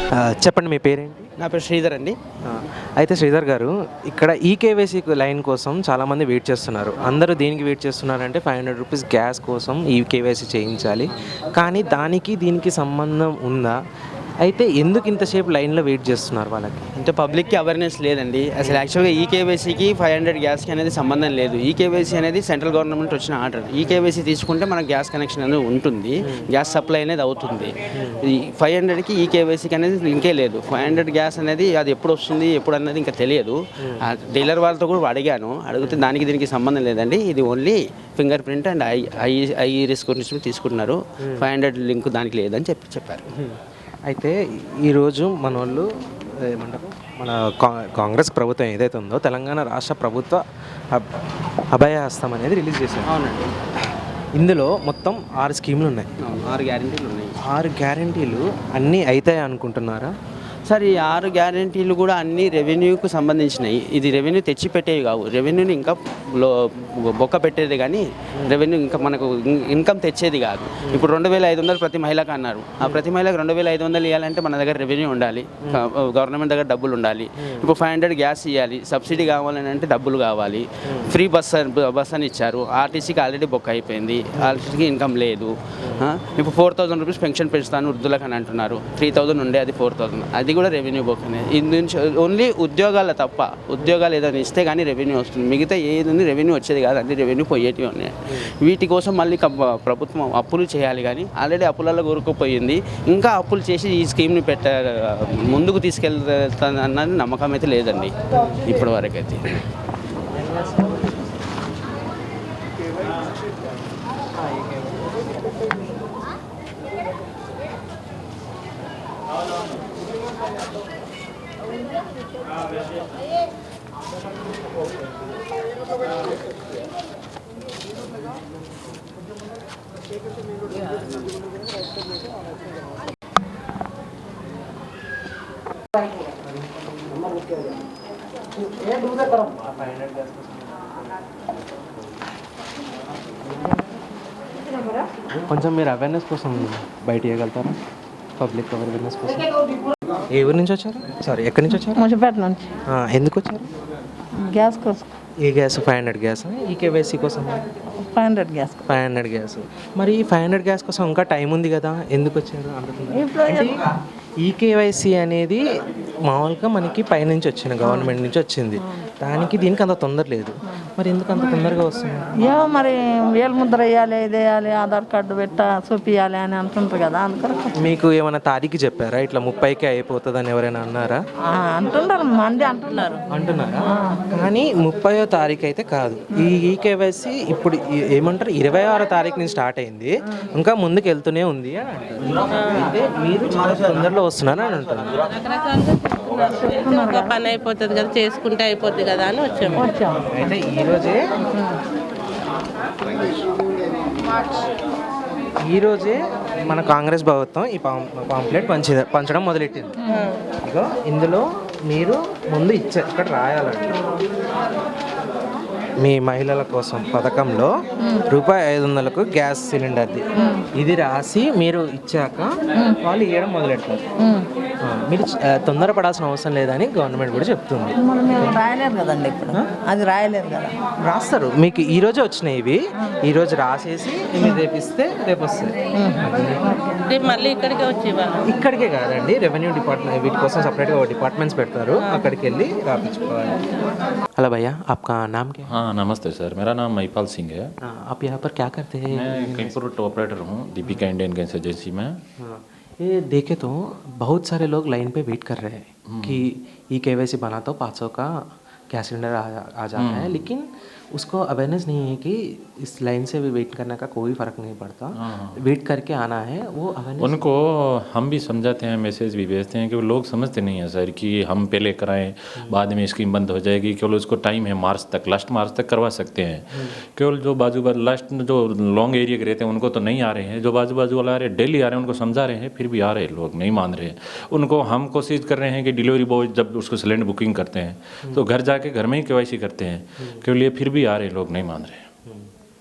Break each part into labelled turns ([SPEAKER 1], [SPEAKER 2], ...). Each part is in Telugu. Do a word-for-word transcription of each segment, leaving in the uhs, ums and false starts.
[SPEAKER 1] ఆ, చెప్పండి మీ పేరేంటి?
[SPEAKER 2] నా పేరు శ్రీధర్ అండి.
[SPEAKER 1] ఆ, అయితే శ్రీధర్ గారు, ఇక్కడ ఈకేవైసీ లైన్ కోసం చాలామంది వెయిట్ చేస్తున్నారు. అందరూ దేనికి వెయిట్ చేస్తున్నారంటే ఫైవ్ హండ్రెడ్ రూపీస్ గ్యాస్ కోసం ఈ కేవైసీ చేయించాలి. కానీ దానికి దీనికి సంబంధం ఉందా? అయితే ఎందుకు ఇంతసేపు లైన్లో వెయిట్ చేస్తున్నారు వాళ్ళకి?
[SPEAKER 2] అంటే పబ్లిక్కి అవేర్నెస్ లేదండి. అసలు యాక్చువల్గా ఈ కేవైసీకి ఫైవ్ హండ్రెడ్ గ్యాస్కి అనేది సంబంధం లేదు. ఈ కేవైసీ అనేది సెంట్రల్ గవర్నమెంట్ వచ్చిన ఆర్డర్. ఈ కేవైసీ తీసుకుంటే మనకు గ్యాస్ కనెక్షన్ అనేది ఉంటుంది, గ్యాస్ సప్లై అనేది అవుతుంది. ఈ ఫైవ్ హండ్రెడ్కి ఈ కేవైసీకి అనేది లింకే లేదు. ఫైవ్ హండ్రెడ్ గ్యాస్ అనేది అది ఎప్పుడు వస్తుంది ఎప్పుడు అన్నది ఇంకా తెలియదు. డీలర్ వాళ్ళతో కూడా అడిగాను, అడిగితే దానికి దీనికి సంబంధం లేదండి. ఇది only fingerprint and I I iris గురించి తీసుకుంటున్నారు. ఫైవ్ హండ్రెడ్ లింక్ దానికి లేదని చెప్పి చెప్పారు.
[SPEAKER 1] అయితే ఈరోజు మన వాళ్ళు ఏమంటారు, మన కా కాంగ్రెస్ ప్రభుత్వం ఏదైతే ఉందో తెలంగాణ రాష్ట్ర ప్రభుత్వ అబ్ అభయహస్తం అనేది రిలీజ్ చేశారు.
[SPEAKER 2] అవునండి.
[SPEAKER 1] ఇందులో మొత్తం ఆరు స్కీములు ఉన్నాయి.
[SPEAKER 2] ఆరు గ్యారెంటీలు ఉన్నాయి.
[SPEAKER 1] ఆరు గ్యారెంటీలు అన్నీ అవుతాయి అనుకుంటున్నారా?
[SPEAKER 2] సార్, ఈ ఆరు గ్యారెంటీలు కూడా అన్ని రెవెన్యూకు సంబంధించినవి. ఇది రెవెన్యూ తెచ్చిపెట్టేవి కావు, రెవెన్యూని ఇంకా లో బొక్క పెట్టేది, కానీ రెవెన్యూ ఇంకా మనకు ఇన్కమ్ తెచ్చేది కాదు. ఇప్పుడు రెండు వేల ఐదు వందలు ప్రతి మహిళకు అన్నారు. ఆ ప్రతి మహిళకు రెండు వేల ఐదు వందలు ఇవ్వాలంటే మన దగ్గర రెవెన్యూ ఉండాలి, గవర్నమెంట్ దగ్గర డబ్బులు ఉండాలి. ఇప్పుడు ఫైవ్ హండ్రెడ్ గ్యాస్ ఇవ్వాలి, సబ్సిడీ కావాలని అంటే డబ్బులు కావాలి. ఫ్రీ బస్ బస్ అని ఇచ్చారు, ఆర్టీసీకి ఆల్రెడీ బొక్క అయిపోయింది, ఆర్టీసీకి ఇన్కమ్ లేదు. ఇప్పుడు ఫోర్ థౌసండ్ రూపీస్ పెన్షన్ పెంచుతాను వృద్ధులకు అని అంటున్నారు. త్రీ థౌసండ్ ఉండే అది ఫోర్ థౌసండ్ అది కూడా రెవెన్యూ బొక్కనే. ఇది నుంచి ఓన్లీ ఉద్యోగాల తప్ప, ఉద్యోగాలు ఏదైనా ఇస్తే కానీ రెవెన్యూ వస్తుంది. మిగతా ఏది ఉంది రెవెన్యూ వచ్చేది కాదు, అన్ని రెవెన్యూ పోయేటివి ఉన్నాయి. వీటి కోసం మళ్ళీ ప్రభుత్వం అప్పులు చేయాలి, కానీ ఆల్రెడీ అప్పులలో కూరుకుపోయింది. ఇంకా అప్పులు చేసి ఈ స్కీమ్ని పెట్ట ముందుకు తీసుకెళ్తానన్నది నమ్మకం అయితే లేదండి ఇప్పటి వరకు అయితే.
[SPEAKER 1] కొంచెం మీరు అవేర్నెస్ కోసం బయట ఇవ్వగలుగుతారా? పబ్లిక్ అవేర్నెస్ కోసం. ఏ ఊరి నుంచి వచ్చారు? సారీ, ఎక్కడి నుంచి వచ్చారు?
[SPEAKER 3] మున్సిపేట నుంచి.
[SPEAKER 1] ఎందుకు వచ్చారు?
[SPEAKER 3] గ్యాస్ కోసం.
[SPEAKER 1] ఏ గ్యాస్? Five hundred gas. ఈ కేవైసీ కోసం
[SPEAKER 3] five hundred gas.
[SPEAKER 1] Five hundred gas. మరి ఈ ఫైవ్ హండ్రెడ్ గ్యాస్ కోసం ఇంకా టైం ఉంది కదా, ఎందుకు వచ్చారు? అంటే ఈ కేవైసీ అనేది మామూలుగా మనకి పైనుంచి వచ్చిన గవర్నమెంట్ నుంచి వచ్చింది, దానికి దీనికి అంత తొందర లేదు. మరి ఎందుకు అంత తొందరగా వస్తుంది?
[SPEAKER 3] ఏమో మరి వేలు ముద్ర వేయాలి, ఇది వేయాలి, ఆధార్ కార్డు పెట్ట చూపించాలి అని అంటుంటారు కదా, అందుకని.
[SPEAKER 1] మీకు ఏమైనా తారీఖు చెప్పారా ఇట్లా ముప్పైకి అయిపోతుంది అని ఎవరైనా అన్నారా?
[SPEAKER 3] అంటున్నారు, మంది అంటున్నారు
[SPEAKER 1] అంటున్నారా? కానీ ముప్పయో తారీఖు అయితే కాదు. ఈ ఈ కేవైసీ ఇప్పుడు ఏమంటారు ఇరవై ఆరో తారీఖు నుంచి స్టార్ట్ అయింది, ఇంకా ముందుకు వెళ్తూనే ఉంది అని అంటారు. అయితే మీరు చాలా తొందరలో వస్తున్నారని అని అంటున్నారు.
[SPEAKER 4] ఒక పని అయిపోతుంది కదా, చేసుకుంటే అయిపోద్ది కదా అని వచ్చాము.
[SPEAKER 1] అయితే ఈరోజే ఈరోజే మన కాంగ్రెస్ ప్రభుత్వం ఈ పాంప్లెట్ పంచి పంచడం మొదలెట్టింది. ఇగో ఇందులో మీరు ముందు ఇచ్చే ఇక్కడ రాయాలండి, మీ మహిళల కోసం పథకంలో రూపాయి ఐదు వందలకు గ్యాస్ సిలిండర్ది ఇది రాసి మీరు ఇచ్చాక వాళ్ళు ఇవ్వడం మొదలెడతారు. మీరు తొందరపడాల్సిన అవసరం లేదని గవర్నమెంట్ కూడా చెప్తుంది.
[SPEAKER 3] రాయలేదు కదండి, ఇప్పుడు అది రాయలేదు కదా.
[SPEAKER 1] రాస్తారు, మీకు ఈ రోజే వచ్చినాయి ఇవి. ఈ రోజు రాసేసి మీరు రేపు ఇస్తే రేపు వస్తాయి.
[SPEAKER 4] మళ్ళీ ఇక్కడికే వచ్చి
[SPEAKER 1] ఇక్కడికే కాదండి, రెవెన్యూ డిపార్ట్మెంట్ వీటి కోసం సపరేట్గా డిపార్ట్మెంట్స్ పెడతారు, అక్కడికి వెళ్ళి రాపించుకోవాలి. హలో भैया, आपका नाम क्या है?
[SPEAKER 5] हाँ नमस्ते सर, मेरा नाम महिपाल सिंह है।
[SPEAKER 1] आप यहाँ पर क्या करते हैं?
[SPEAKER 5] मैं कंप्यूटर ऑपरेटर हूँ दीपिका इंडियन गैस एजेंसी में।
[SPEAKER 1] हाँ, ये देखे तो बहुत सारे लोग लाइन पे वेट कर रहे हैं कि ई केवाईसी बना तो पाँच सौ का गैस सिलेंडर आ, आ जाता है, लेकिन उसको अवेयरनेस नहीं है कि इस लाइन से भी वेट करने का कोई फ़र्क नहीं पड़ता, वेट करके आना है। वो अवेयरनेस
[SPEAKER 5] उनको हम भी समझाते हैं, मैसेज भी भेजते हैं कि वो लोग समझते नहीं हैं सर कि हम पहले कराएं बाद में स्कीम बंद हो जाएगी। केवल उसको टाइम है मार्च तक, लास्ट मार्च तक करवा सकते हैं। केवल जो बाजू बाजू लास्ट जो लॉन्ग एरिया के रहते हैं उनको तो नहीं आ रहे हैं, जो बाजू बाजू वाला आ रहे हैं डेली आ रहे हैं, उनको समझा रहे हैं, फिर भी आ रहे हैं लोग नहीं मान रहे हैं। उनको हम कोशिश कर रहे हैं कि डिलीवरी बॉय जब उसको सिलेंडर बुकिंग करते हैं तो घर जाके घर में ही केवाईसी करते हैं, केवल ये फिर भी आ रहे हैं लोग नहीं मान रहे हैं।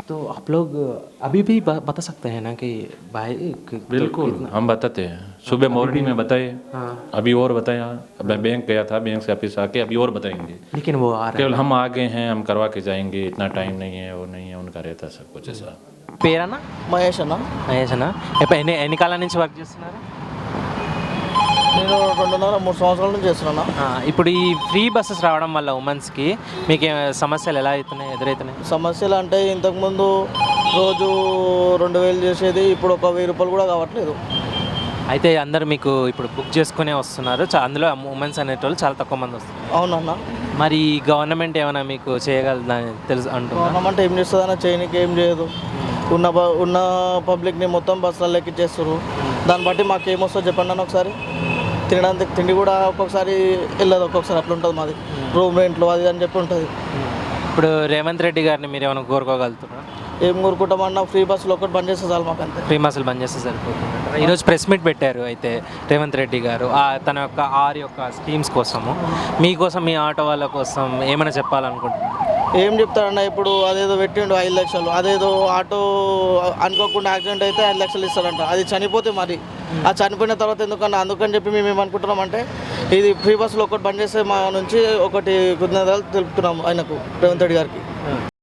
[SPEAKER 1] तो आप लोग अभी भी ब- बता सकते हैं ना कि भाई कि-
[SPEAKER 5] बिल्कुल हम बताते हैं सुबह मॉर्निंग में बताए
[SPEAKER 1] हाँ
[SPEAKER 5] अभी और बताया अब मैं बैंक गया था बैंक से ऑफिस आके अभी और बताएंगे
[SPEAKER 1] लेकिन वो आ रहे
[SPEAKER 5] केवल हम आ गए हैं हम करवा के जाएंगे इतना टाइम नहीं है वो नहीं है उनका रहता सब कुछ ऐसा
[SPEAKER 1] పేరన్నా
[SPEAKER 6] మహేష్ అన్న
[SPEAKER 1] మహేష్ అన్న ఎప్ప- ఎన్ని ఎన్ని కాలం నుంచి వర్క్ చేస్తున్నారు
[SPEAKER 6] నేను రెండున్నర మూడు సంవత్సరాల నుంచి చేస్తున్నా
[SPEAKER 1] ఆ, ఇప్పుడు ఈ ఫ్రీ బస్సెస్ రావడం వల్ల ఉమెన్స్కి మీకు ఏ సమస్యలు ఎలా అవుతున్నాయి ఎదురవుతున్నాయి
[SPEAKER 6] సమస్యలు అంటే ఇంతకుముందు రోజు రెండు వేలు చేసేది ఇప్పుడు ఒక వెయ్యి రూపాయలు కూడా కావట్లేదు.
[SPEAKER 1] అయితే అందరూ మీకు ఇప్పుడు బుక్ చేసుకునే వస్తున్నారు చా- అందులో ఉమెన్స్ అనేటోళ్ళు చాలా తక్కువ మంది వస్తున్నారు
[SPEAKER 6] అవునన్న,
[SPEAKER 1] మరి గవర్నమెంట్ ఏమైనా మీకు చేయగలదని తెలుసు అంటున్నా
[SPEAKER 6] గవర్నమెంట్ ఏం చేస్తుందన్న, చేయనికి ఏం చేయదు. ఉన్న బ- ఉన్న పబ్లిక్ని మొత్తం బస్సులలో ఎక్కిచ్చేస్తారు. దాన్ని బట్టి మాకు ఏమొస్తుందో చెప్పండి అన్న ఒకసారి. తినడానికి తిండి కూడా ఒక్కొక్కసారి వెళ్ళదు, ఒక్కొక్కసారి అట్లా ఉంటుంది మాది. రూమ్ రెంట్లు అది అని చెప్పి ఉంటుంది.
[SPEAKER 1] ఇప్పుడు రేవంత్ రెడ్డి గారిని మీరు ఏమైనా కోరుకోగలుగుతారా
[SPEAKER 6] ఏం కోరుకుంటామన్నా, ఫ్రీ బస్సులు ఒక్కటి బంద్ చేస్తే చాలు మాకు అంతే.
[SPEAKER 1] ఫ్రీ బస్సులు బంద్ చేస్తే సరిపోతుంది. ఈరోజు ప్రెస్ మీట్ పెట్టారు అయితే రేవంత్ రెడ్డి గారు ఆ తన యొక్క ఆరు యొక్క స్కీమ్స్ కోసము మీకోసం మీ ఆటో వాళ్ళ కోసం ఏమైనా చెప్పాలనుకుంటున్నారు
[SPEAKER 6] ఏం చెప్తారన్న, ఇప్పుడు అదేదో పెట్టిండు ఐదు లక్షలు, అదేదో ఆటో అనుకోకుండా యాక్సిడెంట్ అయితే ఐదు లక్షలు ఇస్తారంట. అది చనిపోతే మరి ఆ చనిపోయిన తర్వాత ఎందుకన్నా, అందుకని చెప్పి మేము ఏమనుకుంటున్నాం అంటే ఇది ఫ్రీ బస్సులు ఒకటి బంద్ చేస్తే మా నుంచి ఒకటి కృతజ్ఞతలు తెలుపుతున్నాము ఆయనకు, రేవంత్ రెడ్డి గారికి.